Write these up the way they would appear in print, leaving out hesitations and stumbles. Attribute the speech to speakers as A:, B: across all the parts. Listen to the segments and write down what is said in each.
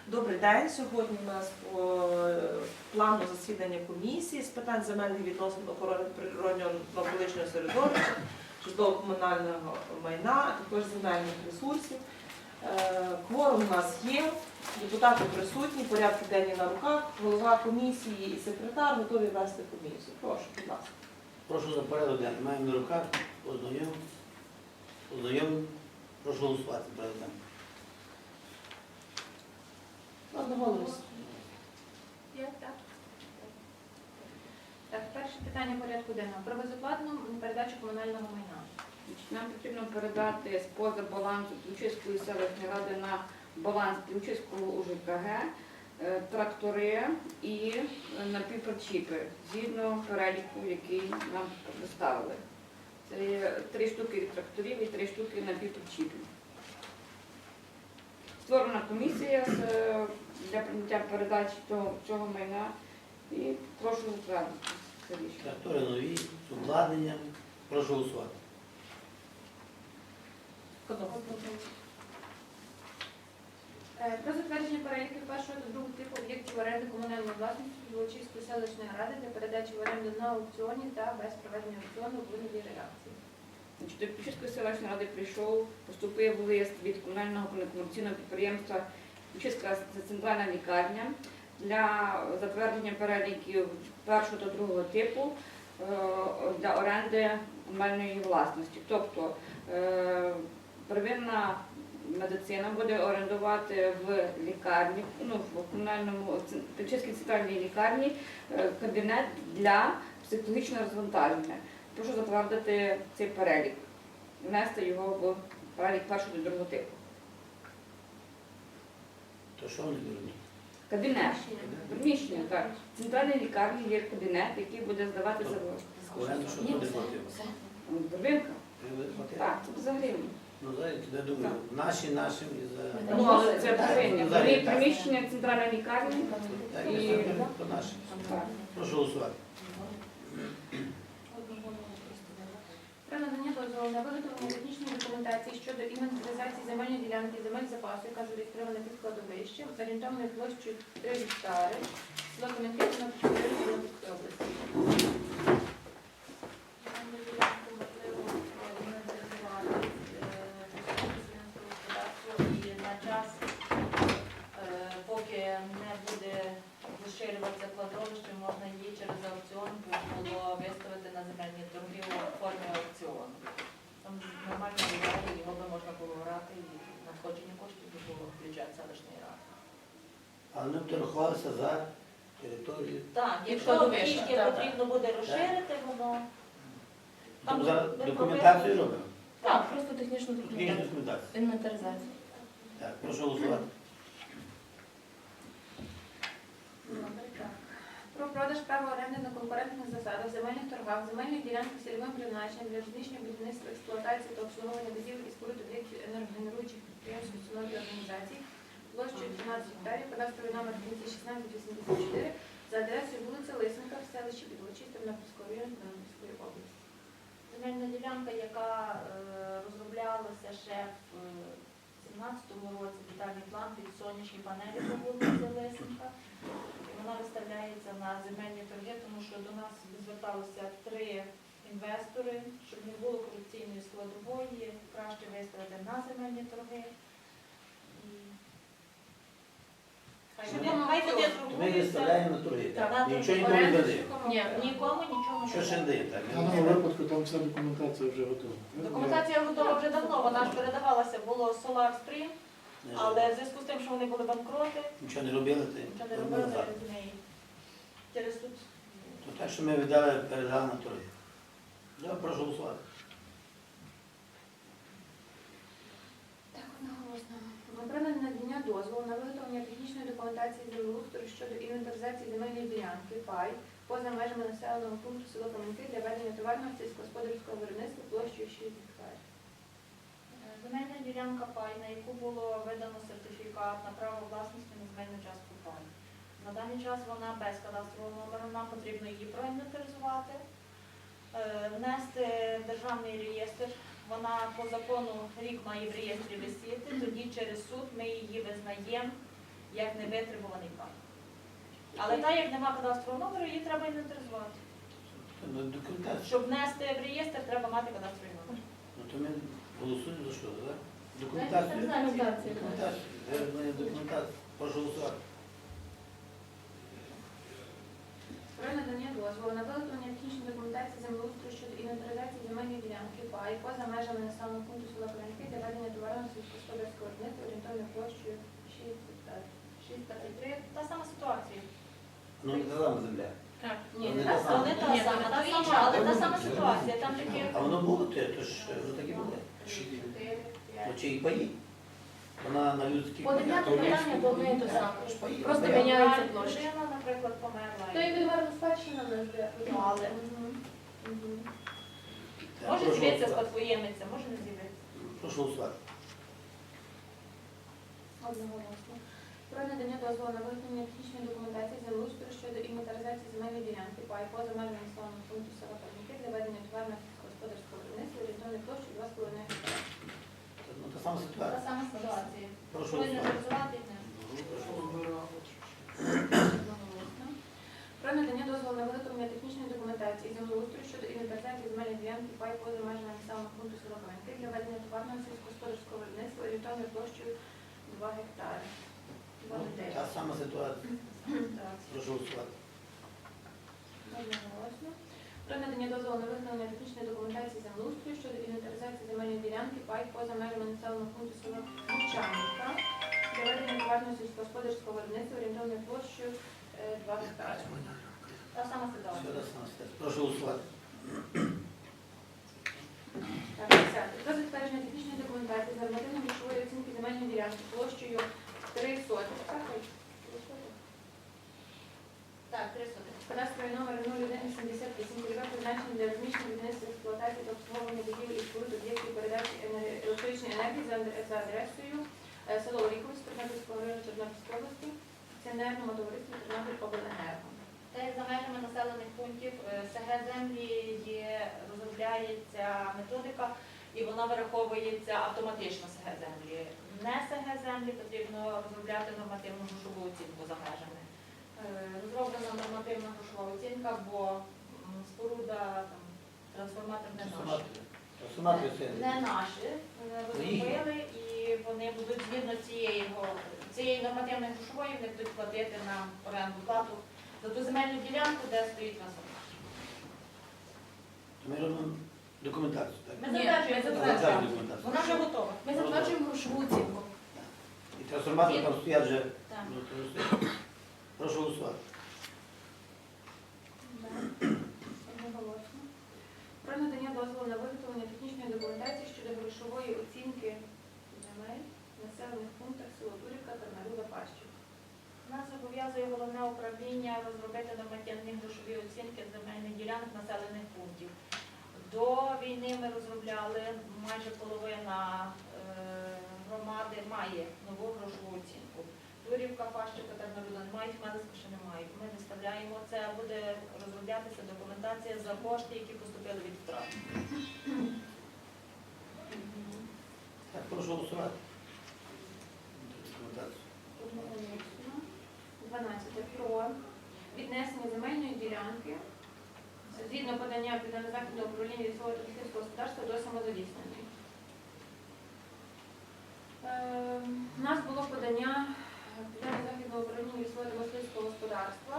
A: Добрий день. Сьогодні у нас по плану засідання комісії з питань земельних відносин, охорони природнього навколишнього середовища, житлово-комунального майна, а також земельних ресурсів. Кворум у нас є, депутати присутні, порядки денні на руках, голова комісії і секретар готові вести комісію. Прошу, будь ласка.
B: Прошу за порядок денний. Маємо на руках, ознайомлено. Прошу голосувати порядок денний.
A: Одноголосно.
C: Так, перше питання порядку денного. Про безоплатну передачу комунального майна.
D: Нам потрібно передати з-поза балансу Ключівської селищної ради на баланс Ключівського УЖКГ трактори і напівпричіпи, згідно переліку, який нам представили. Це є 3 штуки тракторів і 3 штуки напівпричіпів. Створена комісія для прийняття передачі цього майна і прошу затвердити це рішення.
B: Трактори нові, з обладнанням. Прошу голосувати.
C: Про затвердження переліків першого та другого типу об'єктів оренди комунальної власності Золочівської селищної ради для передачі в оренду на аукціоні та без проведення аукціону у вигляді реакції.
D: До Ключівської селищної ради поступив лист від комунального некомерційного підприємства Ключівська центральна лікарня для затвердження переліків першого та другого типу для оренди комунальної власності. Тобто первинна медицина буде орендувати в лікарні, в комунальному Ключівській центральній лікарні кабінет для психологічного розвантаження. Прошу затвердити цей перелік, внести його в перелік першого та другого типу.
B: То що вони беруть?
D: Кабінет. Приміщення, так. В центральній лікарні є кабінет, який буде здаватися в
B: Оренду, що туди платили?
D: Первинка. Так, це взагалі.
B: Ну, зараз я думаю, нашим і за...
D: Ну, але це первиння. Є приміщення центральної лікарні.
B: Так,
D: І-
B: то наші.
D: Так.
B: Прошу голосувати.
C: Про надання дозволу на виготовлення технічної документації щодо інвентаризації земельної ділянки земель запасу, яка зареєстрована під кладовищем, орієнтовною площею 3 гектари, село Кам'янки, Тернопільської області. Земельну ділянку можливо інвентаризувати
E: і на час, поки не буде розширюватися кладовище, можна її через аукціон було виставити на земельні торги у формі аукціону. Там нормально буває, його би можна було брати і надходження коштів би було в бюджет селищної ради.
B: Але ми торгувалися за територію.
E: Так, якщо
A: кладовище,
E: трішки
A: так,
E: потрібно буде розширити, воно...
B: Там зараз документацію робимо?
F: Так, просто технічну
B: Технічну документацію.
F: інвентаризацію.
B: Так, прошу голосувати.
C: Добре, так. Про продаж права оренди на конкурентних засадах, земельних торгах, земельних ділянок з цільовим призначенням для розміщення будівництва, експлуатації та обслуговування будівель і споруд об'єктів енергогенеруючих підприємств, установ і організацій, площею 12 гектарів, кадастровий номер 1684 за адресою вулиця Лисенка в селищі Підволочиськ Тернопільського району Тернопільської області.
E: Земельна ділянка, яка розроблялася ще в 2017 році, детальний план під сонячні панелі по вулиці Лисенка. І вона виставляється на земельні торги, тому що до нас зверталися 3 інвестори, щоб не було корупційної складової, краще виставити на земельні торги. І хай вони
B: Ми
E: торгуються.
B: виставляємо на торги.
E: Так.
B: Нічого нікому не даємо.
E: Ні, нікому нічого
B: Що
E: не
B: ще не
E: даємо.
B: даємо?
G: В даному випадку там вся документація вже готова.
E: Документація готова вже давно, вона ж передавалася, було Solar Stream,
B: Не
E: але в зв'язку з тим, що вони були банкроти,
B: Нічого не робили,
E: нічого не
B: то
E: робили
B: назад.
E: з неї. Через суд.
B: То так, що ми віддали, передали на торги. Я прошу голосувати.
C: Так, одноголосно. Про надання дозволу на виготовлення технічної документації землеустрою щодо інвентаризації земельної ділянки пай поза межами населеного пункту село Кам'янки для ведення товарного сільськогосподарського виробництва площею 6 гектарів.
E: Земельна ділянка пай, на яку було видано сертифікат на право власності на земельну частку пай. На даний час вона без кадастрового номеру, нам потрібно її проінвентаризувати, внести в державний реєстр. Вона по закону рік має в реєстрі висіти, тоді через суд ми її визнаємо як невитребуваний пай. Але так, як нема кадастрового номеру, її треба інвентаризувати.
B: Ну, документацію.
E: Щоб внести в реєстр, треба мати кадастровий номер.
B: Ну, то ми голосуємо за що, так? Документацію?
F: Документацію.
B: Документацію. Вироблення документації. Прошу голосувати.
C: Про надання дозволу на виготовлення технічної документації землеустрою щодо інвентаризації земельної ділянки пай поза межами населеного пункту села Коренки для ведення товарного сільськогосподарського виробництва орієнтовною площею 6 гектарів.
E: 6,23. Та сама ситуація.
B: Ну, не та сама земля.
C: Ні,
B: не
C: не
B: та
C: та
B: сама.
E: Не та
C: Ні,
E: сама,
C: та
E: то інша, але та сама ситуація. Там такі...
B: А воно було те, то ж воно так і буде.
C: 4,
B: Ну,
C: 5.
B: чи і паї? Вона на людських
F: По 9 питання то одне і те саме.
B: Ж паї.
F: Просто
B: Паї.
F: міняються площі.
E: Людина, наприклад, померла.
C: То і відверно спадщина не збирає.
E: Але
B: Так,
E: може
B: прошу
E: з'явитися
B: голосувати.
E: спадкоємиця, може не з'явитися.
B: Прошу голосувати.
C: Одноголосно. Про надання дозволу на виготовлення технічної документації землеустрою щодо інвентаризації земельної ділянки пай поза межами населеного пункту села Коренки для ведення товарного сільськогосподарського виробництва орієнтовною площею 2,5 гектара.
B: Ну, та сама
E: Та
B: ситуація.
E: сама ситуація.
B: Прошу
E: Коли не
B: голосувати.
E: реалізувати, не.
C: Одноголосно. Про надання дозволу на виготовлення технічної документації землеустрою щодо інвентаризації земельної ділянки пай поза межами населеного пункту села Коренки для ведення товарного сільськогосподарського виробництва орієнтовною площею 2 гектари.
B: Ну, та сама ситуація.
E: Так.
B: Прошу голосувати.
C: Одноголосно. Про надання дозволу на виготовлення технічної документації землеустрою щодо інвентаризації земельної ділянки пай поза межами населеного пункту села Мовчанівка для ведення товарного сільськогосподарського виробництва орієнтовною площею 2 гектари.
E: Та сама
B: Все
E: ситуація.
B: та сама ситуація. Прошу голосувати.
C: Так, 10. Про затвердження технічної документації з нормативно-грошової оцінки земельної ділянки площею 3 сотих.
E: Так, 300.
C: Кадастровий номер 0178, цільове призначення для розміщення будівництва, експлуатації та обслуговування будівель і споруд об'єктів передачі електричної енергії за адресою село Оріховськ, Тернопільського району Тернопільської області, акціонерному товариству Тернопільобленерго.
E: Та як за межами населених пунктів СГ землі розробляється методика і вона вираховується автоматично СГ землі. Не СГ землі потрібно розробляти нормативну грошову оцінку за межами. Розроблена нормативна грошова оцінка, бо споруда, там, трансформатор не наш.
B: Трансформатори це.
E: Не наші розробили, і вони будуть згідно цієї нормативної грошової, вони будуть платити нам оренду плату за ту земельну ділянку, де стоїть трансформатор.
B: То ми робимо документацію, так?
E: Ми
F: Ні,
E: затверджуємо,
F: ми
B: Затверджуємо документацію.
E: вона вже готова.
F: Ми затверджуємо грошову оцінку.
B: І трансформатори там стоять вже.
E: Так.
B: Ну, то стоять. Прошу голосувати.
C: Одноголосно. Про надання дозволу на виготовлення технічної документації щодо грошової оцінки земель в населених пунктах село Турівка, Тарнаруда, Пащів.
E: Нас зобов'язує головне управління розробити нормативні грошові оцінки земельних ділянок населених пунктів. До війни ми розробляли, майже половина громади має нову грошову оцінку. Турівка, Пащівка, Тарнаруда не мають, Хмелицька ще не мають. Ми виставляємо, це буде розроблятися документація за кошти, які поступили від втрат.
B: Так, прошу голосувати. Документацію.
C: Одноголосно. 12. Про віднесення земельної ділянки згідно подання Південно-Західного управління лісового та лісницького господарства до самозаліснення. У нас було подання Південно-Західного управління лісового та мисливського господарства.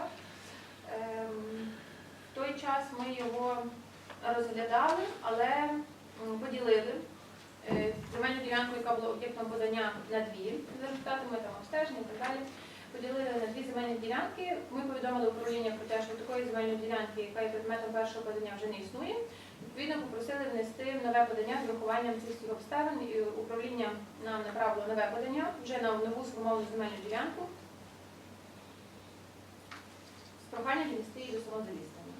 C: В той час ми його розглядали, але поділили земельну ділянку, яка була об'єктом подання, на дві. За результатами там обстеження і так далі. Поділили на дві земельні ділянки. Ми повідомили управління про те, що такої земельної ділянки, яка є предметом першого подання, вже не існує. Відповідно, попросили внести нове подання з врахуванням цих всіх обставин. І управління нам направило нове подання вже на нову сформовану земельну ділянку з проханням віднести її до самозаліснення.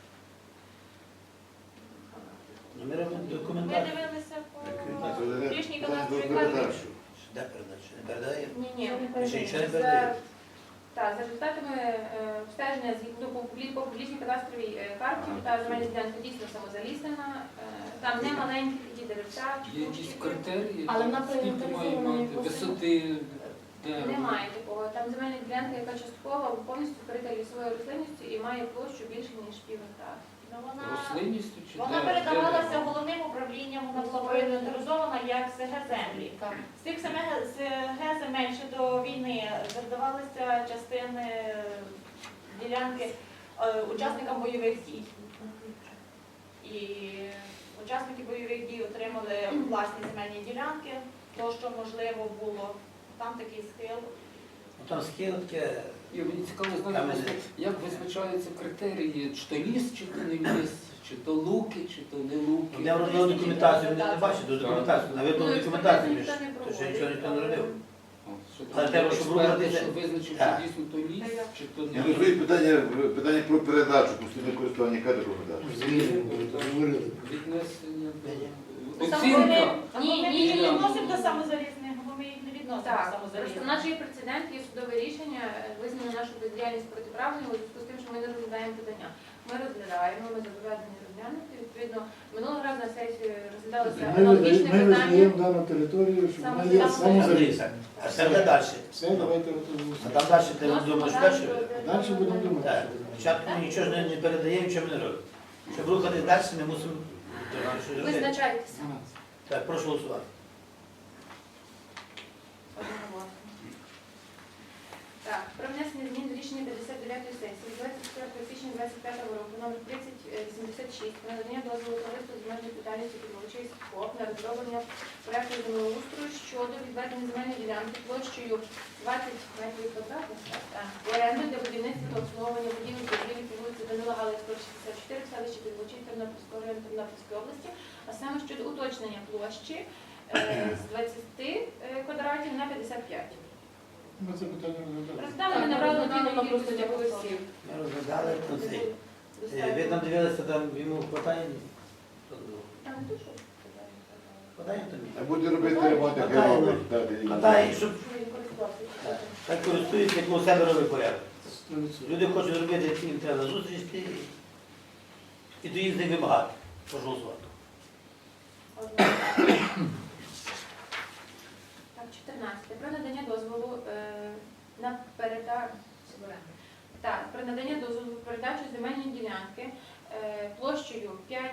B: Ну, ми робимо
E: Ми
B: документацію.
E: дивилися по
B: Документацію.
E: річній кадастровій карті.
B: Де передача? Не передає?
C: Ні.
B: Ще нічого не передає?
C: Так, за результатами обстеження по публічній кадастровій карті, та земельна ділянка дійсно самозаліснена, там не маленькі такі деревця.
H: Є якісь критерії,
F: Але вона
H: скільки має
F: проінвентаризована
H: мати
F: як
H: висоти,
C: Немає такого. Там земельна ділянка, яка частково повністю вкрита лісовою рослинністю і має площу більше, ніж пів гектара.
E: Ну, вона
H: Рослинністю чи
E: вона
H: де-
E: передавалася
H: де-
E: головним управлінням, вона була проінвентаризована як СГ землі. З тих СГ земель ще до війни передавалися частини ділянки учасникам бойових дій. І учасники бойових дій отримали власні земельні ділянки, то, що можливо було. Там такий схил.
B: Ну, там схил таке,
H: І мені цікаво знати,
B: Там
H: просто, як визначаються критерії, чи то ліс, чи то не ліс, чи то луки, чи то не луки.
B: я розробив документацію, вони не бачать до документацію, навіть
C: Ну,
B: документацію,
C: експертизу ніхто не
B: то ще
C: проводить.
B: нічого ніхто не робив.
H: О, що
B: Але
H: там
B: треба, щоб
H: експерти,
B: виробити-
H: що визначив,
B: Так.
H: що дійсно то ліс, чи то
I: Я
H: не
I: розумію
H: ліс.
I: питання про передачу, постійне користування, яка така передача?
G: Звільнено, говорили.
H: Віднесення,
E: Ми-
H: оцінка.
E: Ні, ми їх
H: Ні.
E: не відносимо до самозалізних, бо ми їх не відносимо до
C: Так, просто
E: самозалізних.
C: наш є прецедент, є судове рішення, визнано нашу бездіяльність протиправною у зв'язку з тим, що ми не розглядаємо питання. Ми розглядаємо, ми зобов'язані розглянути. Відповідно, минулого разу на сесії розглядалося аналогічне
G: Ми
C: питання.
G: визнаємо дану територію, що вона є самозалізна.
B: А це буде далі.
G: Все, давайте
B: А
G: готуємося.
B: там далі ти думаєш, далі?
G: Далі будемо думати.
B: Так.
G: що будемо.
B: Спочатку ми нічого ж не передаємо, нічого ми не робимо. Щоб рухати далі, ми мусимо щось робити.
C: Визначайтеся.
G: 12.
B: Так, прошу голосувати.
C: Одноголосно. Так, про внесення змін до рішення 59-ї сесії 24 січня 25 року номер 3086 про надання дозволу товариству з обмеженою відповідальністю Підволочиськ ФОП на розроблення проекту землеустрою щодо відведення земельної ділянки площею 20 метрів квадратних в оренду для будівництва та обслуговування будівель торгівлі по вулиці Данила Галицького, 64 в селищі Підволочиськ Тернопільського району Тернопільської області, а саме щодо уточнення площі з 20 квадратів на 55.
G: Ми це питання розглядаємо.
C: Роздали, ми набрали дві кількості голосів.
B: Ми розглядали про цей. Ви там дивилися, там йому хватає?
C: Там не дуже.
B: Хватає тобі?
I: А буде робити ремонт, як
B: Хватає,
I: робить.
B: Хватає, щоб
C: Він користувався.
B: так користуються, як у себе робить порядок.
G: 100%.
B: Люди хочуть робити, як їм треба зустріч і до їх з них вимагати. Прошу голосувати.
C: Так, 14. Про надання дозволу на передачу. Так, про надання дозволу на передачу земельної ділянки площею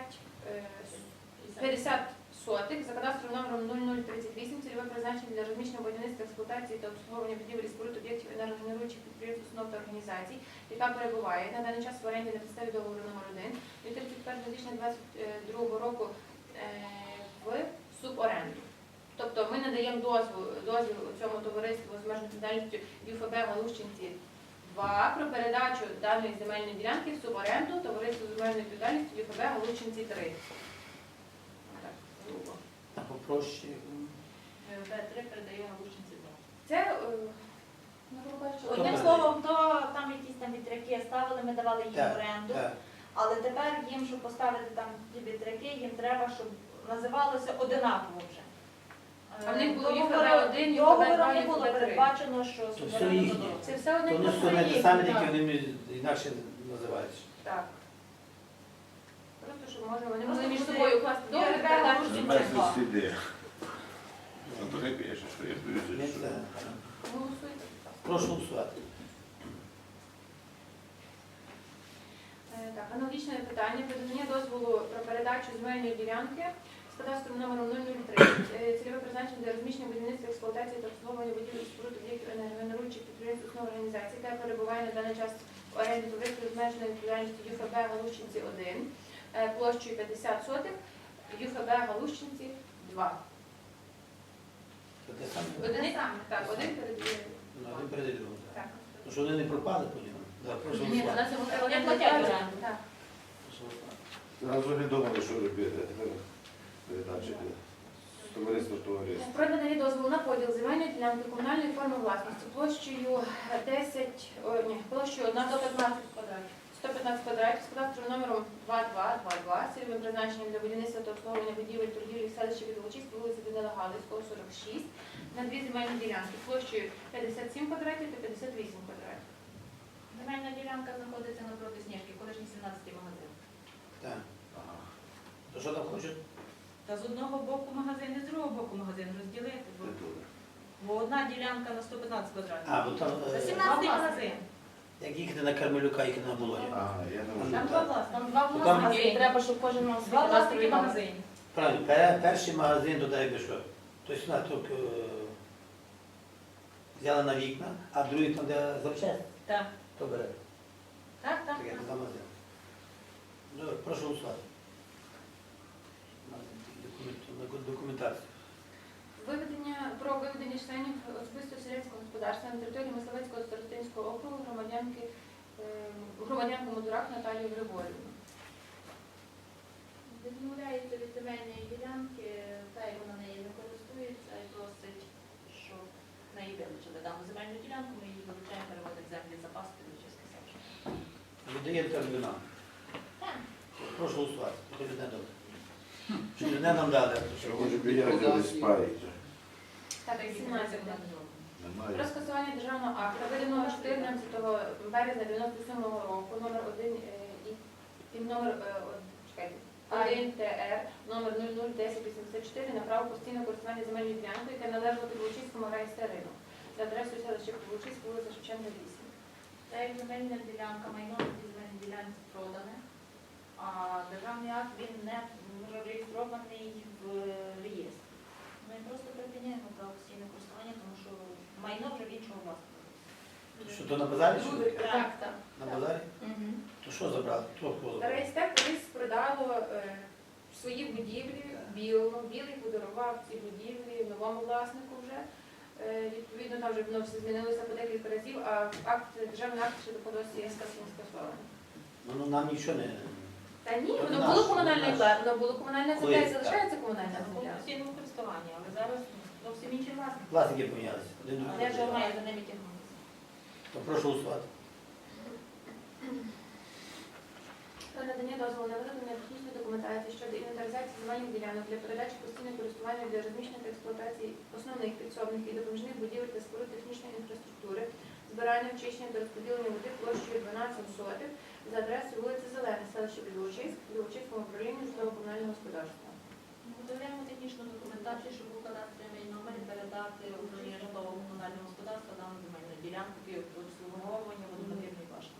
C: 50 сотих за кадастровим номером 0038, цільове призначення для розміщення будівництва, експлуатації та обслуговування будівель і споруд об'єктів енергогенеруючих підприємств, установ та організацій, яка перебуває на даний час в оренді на підставі договору номер 1 від 31 січня 2022 року в суборенду. Тобто ми надаємо дозвіл цьому товариству з обмеженою відповідальністю ЮФБ Галущинці 2 про передачу даної земельної ділянки в суборенду товариству з обмеженою відповідальністю ЮФБ Галущинці 3. Так, грубо.
B: А попроще.
E: Б3 передає Галущинці 2.
C: Це, ну, грубо кажучи,
E: Одним
B: Добре.
E: словом, то там якісь там вітряки ставили, ми давали їм
B: Так,
E: оренду.
B: Так.
E: Але тепер їм, щоб поставити там ті вітряки, їм треба, щоб називалося одинаково вже.
C: А в них було
E: Договором-
C: ЮФБ 1,
E: договором
C: ЮФБ 2,
E: не було
C: ЮФБ 3.
E: передбачено, що
B: То все
E: суверенно
B: їхнє.
E: додому.
C: Це все одне
B: То
C: й
B: не
C: те
B: все не
C: саме.
B: те саме,
C: Так.
B: тільки вони інакше називаються.
C: Так. Просто, щоб можна, вони
E: Просто
C: могли між
E: буде
C: собою укласти договір,
E: ЮФБ
C: передачу.
E: Галущинці
I: Немає
E: 2.
I: сліди. Антони пише, що я
B: Ми
I: боюся, що...
B: це-
C: Голосуйте.
B: Прошу голосувати.
C: Так, аналогічне питання про надання дозволу про передачу земельної ділянки з кадастровим номером 003. Цільове призначення для розміщення будівництва, експлуатації та обслуговування будівель і споруд об'єктів енергогенеруючих підприємств, установ організацій, яка перебуває на даний час в оренді товариства з обмеженою відповідальністю ЮФБ Галущинці 1 площею 50 сотих, ЮФБ Галущинці 2.
B: Це те саме.
C: Один, так, один передає.
B: Ну, один перед другим.
C: Так.
B: Тому що вони не пропали по ньому. Да, прошу
C: Ні, у
B: голосувати.
C: нас його
E: Вони
C: один
E: платять
C: платять.
E: оренду.
C: Так.
B: Прошу голосувати.
I: Зразу не думали, що робити. А тепер передачі з товариства в товариство.
C: Про надання дозволу на поділ земельної ділянки комунальної форми власності площею 115
E: квадратів.
C: 115 квадратів з кадастровим номером 2222, цільовим призначенням для будівництва та обслуговування будівель торгівлі в селищі Підволочиськ, вулиці Данила Галицького, 46, на дві земельні ділянки площею 57 квадратів та 58 квадратів.
E: Земельна ділянка знаходиться напроти Сніжки, колишній 17-й магазин.
B: Так. То що там хочуть?
J: Та з одного боку магазин і з другого боку магазин розділити. Бо
E: Одна ділянка на 115 квадратів.
B: А, бо там,
E: Це
B: е,
E: 17 магазин.
B: як їхати на Кармелюка, їхати на Болоні.
I: Ага, я не можу.
E: Там два власника.
F: Там два
B: Там-
F: власники, і треба, щоб кожен мав свій
E: Два власники
F: кадастровий номер.
E: магазинів.
B: Правильно, перший магазин туди якби що. Тобто вона тільки взяла на вікна, а другий там, де запчасти,
E: Так,
B: то бере.
E: так, так.
B: Так, як за магазин. Добре, прошу голосувати. Документацію.
C: Про виведення членів особистого селянського господарства на території Мисливецького старостинського округу громадянку Модурак Наталію Григорівну.
E: Відмовляється від земельної ділянки, та як вона нею не користується і просить, щоб в неї вилучили дану земельну ділянку, ми її вилучаємо, переводимо землі запас під Лучиське селище.
B: Віддає Кармелюна.
E: Так.
B: Прошу голосувати. Хто не добре. Чи не нам дали?
I: Що може біляти десь парить?
C: Так, 17. Про
I: Немає.
C: скасування державного акту, виданого 14 березня 97 року, номер 1 і номер 1 ТР, номер 001084 на право постійного користування земельною ділянкою, яка належала Підволочиському райстерину за адресою селища Підволочиськ, вулиця Шевченка, 8.
E: Та як земельна ділянка, майно на цій земельній ділянці продане, а державний акт він не реєстрований в реєстрі. Ми просто припиняємо право постійне користування, тому що майно вже в іншого власника.
B: Що то на базарі? Що таке?
F: Так, так.
B: На базарі?
F: Мгм.
B: То що забрали? Хто забрав?
C: Райстер колись продало свої будівлі білому. Білий подарував ці будівлі новому власнику вже. Відповідно, там вже воно все змінилося по декілька разів, а державний акт ще до досі скасований.
B: Ну, нам нічого не...
C: Та ні,
B: Це
C: воно
B: наш,
C: було
B: це
C: комунальне
B: наш.
C: воно було комунальна земля
B: Коли?
C: і залишається комунальна
E: В
C: земля.
E: постійному користуванні, але зараз зовсім інші власники.
B: Власники помінялися. Один
E: А
B: другий.
E: де ж має за ними тягнутися?
B: То прошу голосувати.
C: Про надання дозволу на виготовлення технічної документації щодо інвентаризації земельних ділянок для передачі постійного користування для розміщення та експлуатації основних підсобних і допоміжних будівель та споруд технічної інфраструктури, збирання, очищення та розподілення води площею 12 сотих за адресою вулиця Зелена, селище Підволочиськ, Підволочиському управлінню житлово-комунального господарства.
E: Готуємо технічну документацію, щоб був кадастровий номер і передати управління житлово-комунального господарства дану земельну ділянку під обслуговування водонапірної башти.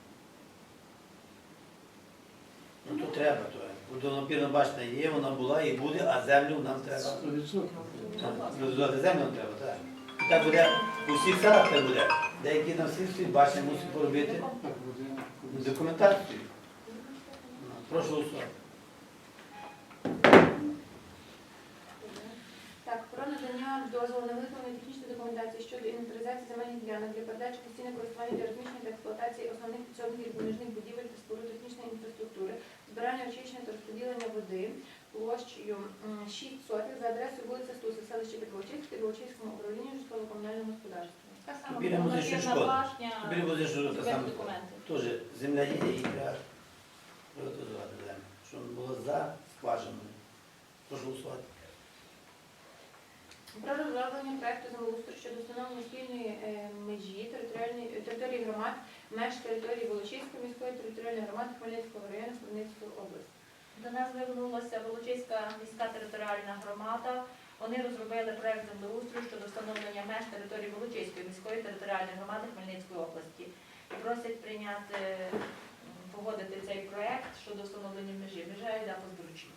B: Ну, то треба, то. Водонапірна башня є, вона була і буде, а землю нам треба.
G: 100%.
B: Розвивати землю нам треба, так. І так буде, у всіх селах так буде. Деякі на всіх світ башні мусять поробити
G: Так, буде.
B: документацію. Прошу голосувати.
C: Так, про надання дозволу на виготовлення технічної документації щодо інвентаризації земельних ділянок для передачі постійного користування для розміщення та експлуатації основних підсобних і допоміжних будівель та споруд технічної інфраструктури, збирання, очищення та розподілення води площею 6 сотих за адресою вулиця Стуса, селище Підволочиськ, Підволочиському управлінню житлово-комунального господарства.
E: Так само
B: Біля музичної
E: водонапірна
B: школи.
E: башня,
B: Біля музичної школи,
E: без
B: саме.
E: документів.
B: Теж земля є і треба приватизувати землю. Щоб було за скважиною. Прошу голосувати.
C: Про розроблення проекту землеустрою щодо встановлення спільної межі території громад, меж території Волочиської міської територіальної громади Хмельницького району Хмельницької області.
E: До нас звернулася Волочиська міська територіальна громада. Вони розробили проект землеустрою щодо встановлення меж території Волочиської міської територіальної громади Хмельницької області. І просять прийняти, погодити цей проект щодо встановлення межі. Межа йде по Збручі.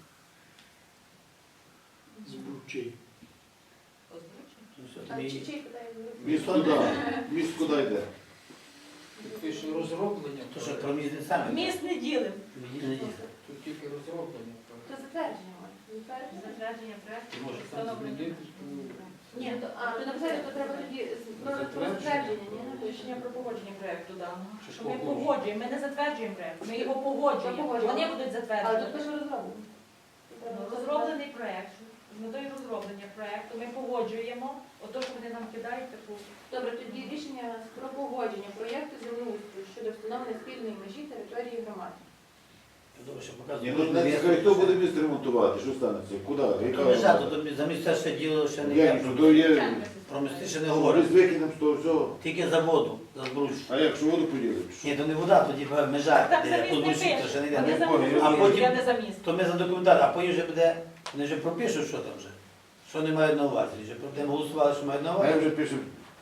G: Збручий.
E: По Збручі?
B: Ну, все,
C: А
B: там і-
C: чий питає?
I: Міст куди? Міст куди йде?
H: Пише розроблення.
B: То, що про міст не саме.
E: Міст не ділимо.
B: Не дійсно.
H: Тут тільки розроблення.
C: То затвердження має. Затвердження.
E: Затвердження проекту.
B: Може,
H: Там
E: Встановлення.
H: змінити,
E: Ні,
C: А, то написати, то треба тоді про затвердження, ні?
E: рішення про погодження проекту даного.
H: Чи
E: Що ми
H: погодження?
E: погоджуємо, ми не затверджуємо проект, ми його погоджуємо.
C: Погоджуємо.
E: Вони будуть
C: Але тут
E: затверджувати.
C: пише розроблення.
E: Ну, розроблений проект. З метою розроблення проекту ми погоджуємо. Ото, що вони нам кидають, таку.
C: Добре, тоді рішення у нас про погодження проєкту землеустрою щодо встановлення спільної межі території громади.
B: Добре, що
I: Ні,
B: показує.
I: ну не цікаві, хто буде міст ремонтувати? Що станеться? Куди?
B: То не жарто, то за місця ще діло ще не
I: Як
B: є.
I: же, то є...
B: Про місти ще не
I: Ми
B: говорить.
I: викинемо з того всього.
B: Тільки за воду, за збруч.
I: А як, що воду поділимо?
B: Ні, то не вода, тоді межа,
E: Так
B: де
E: заміст не
B: позбручі, то
E: пише.
B: ще не
E: Вони
B: йде.
E: за
B: А
E: міст,
B: потім-
E: я не за міст.
B: То ми за документацію, а потім вже буде, вони вже пропишуть, що там вже. Що вони мають на увазі. Вже будемо голосували, що мають на
I: А я
B: увазі.
I: вже пишу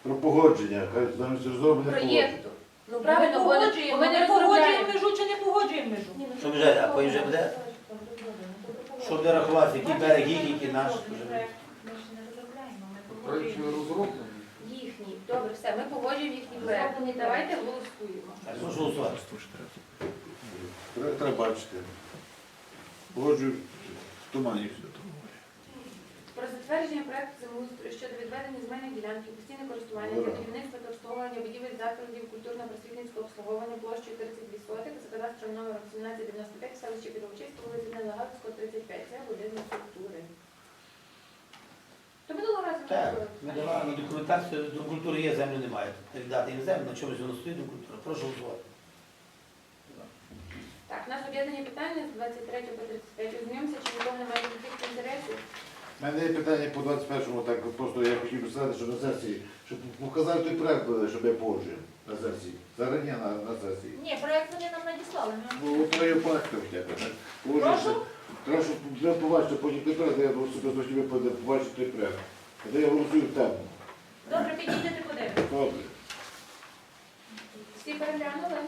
I: Про погодження, хай замість розроблених
C: Проєкту. Ну
A: Ми
C: правильно, бо
A: погоджуємо,
C: ми не
A: ми погоджуємо
C: розробляємо.
A: межу чи не погоджуємо межу.
E: Ні, ну,
B: Що вже, а потім вже буде? Що буде рахувати, які береги, які наш?
E: Ми ж не розробляємо, ми
H: Проект
E: погоджуємо.
H: розроблений.
C: Їхній. Добре, все, ми погоджуємо їхній проект. Давайте голосуємо.
B: Так, прошу голосувати.
I: Треба бачити. Погоджую в тумані все.
C: Про затвердження проекту землеустрою щодо відведення земельних ділянки, постійне користування для будівництва та обслуговування будівель закладів культурно-просвітницького обслуговування площею 32 сотих за кадастровим номером 1795 в селищі Підовчиська, вулиця Нелегацького, 35. Це будинок культури. То минулого разу ми
B: Так,
C: робили.
B: ми давали на документацію, до культури є, землю немає. Віддати їм землю, на чомусь воно стоїть до культури. Прошу голосувати.
C: Так, у нас об'єднані питання з 23 по 35. Ознайомся, чи нікого немає конфлікту інтересів.
I: У мене є питання по 21-му, так просто я хотів би сказати, що на сесії, щоб показати той проект, щоб я погоджую на сесії. Зарані на сесії.
E: Ні, проект вони нам надіслали.
I: Ну, от я бачите хоча б, так? Погоджуюся. Треба, щоб ви побачите потім той проект, я особисто хотів би побачити той проект. Де я голосую в тему.
E: Добре, підійдете подивитися.
I: Добре.
C: Всі переглянули?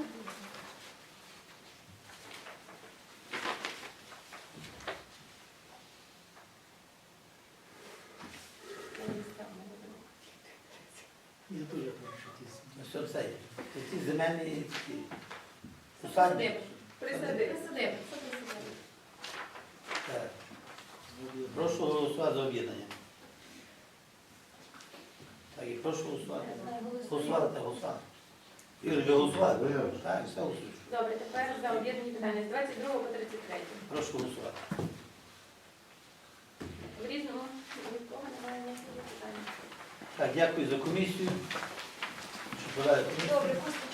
B: Я теж прошу ті. Ну що це є? Це ці земельні такі посадні.
C: Присади.
B: Так. Прошу голосувати за об'єднання. Так, і прошу голосувати. Голосувати та голосувати. Ігор, ви голосувати? Так, все голосуєш.
C: Добре, тепер за об'єднані питання з 22 по 33.
B: Прошу голосувати.
C: В різному нікого немає ніяких питань.
B: Так, дякую за комісію. Що подали?
E: Добре, просто